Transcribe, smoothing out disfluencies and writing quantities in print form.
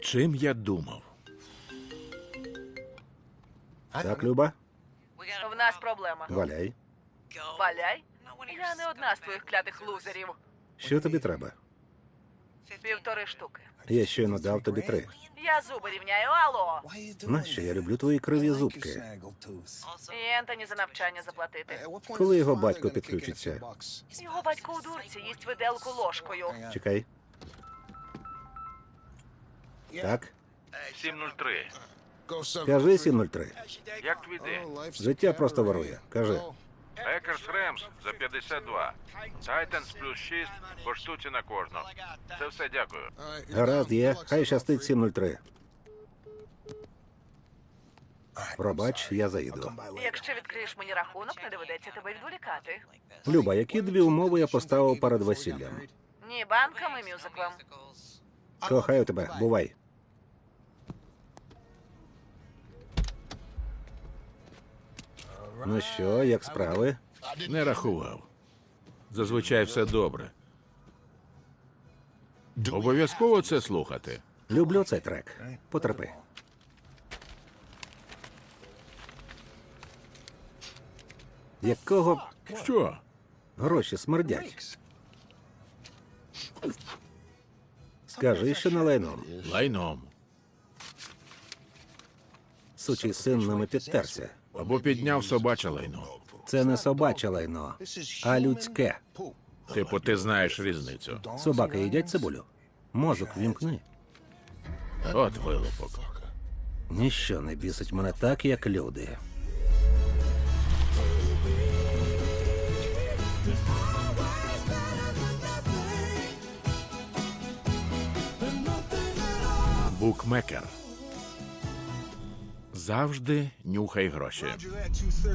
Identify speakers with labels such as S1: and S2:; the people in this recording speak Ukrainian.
S1: Чим я думав?
S2: Так, Люба?
S3: В нас проблема.
S2: Валяй.
S3: Валяй? Я не одна з твоїх клятих лузерів.
S2: Що тобі треба?
S3: 1,5 штуки.
S2: Я щойно дав тобі 3.
S3: Я зуби рівняю, алло.
S2: Нащо я люблю твої криві зубки?
S3: І Ентоні за навчання заплатити.
S2: Коли його батько підключиться?
S3: Його батько у дурці їсть виделку ложкою.
S2: Чекай. Так?
S1: 703.
S2: Кажи 703.
S1: Як твій день?
S2: Життя просто ворує. Кажи.
S1: Екерс Ремс за 52. Тайтанс плюс 6 по штуці на кожного. Це все, дякую.
S2: Гаразд є. Хай щастить 703. Пробач, я заїду.
S3: Якщо відкриєш мені рахунок, не доведеться тебе відволікати.
S2: Люба, які 2 умови я поставив перед весіллям?
S3: Ні банкам і мюзиклам.
S2: Кохаю тебе. Бувай. Ну що, як справи?
S1: Не рахував. Зазвичай все добре. Обов'язково це слухати.
S2: Люблю цей трек. Потерпи. Якого
S1: Що?
S2: гроші смердять? Скажи, що не лайном.
S1: Лайном.
S2: Сучий син ними підтерся.
S1: Або підняв собаче лайно.
S2: Це не собаче лайно, а людське.
S1: Типу, ти знаєш різницю.
S2: Собаки їдять цибулю. Мозок вімкни.
S1: От вилупок.
S2: Ніщо не бісить мене так, як люди.
S1: Букмекер. Завжди нюхай гроші.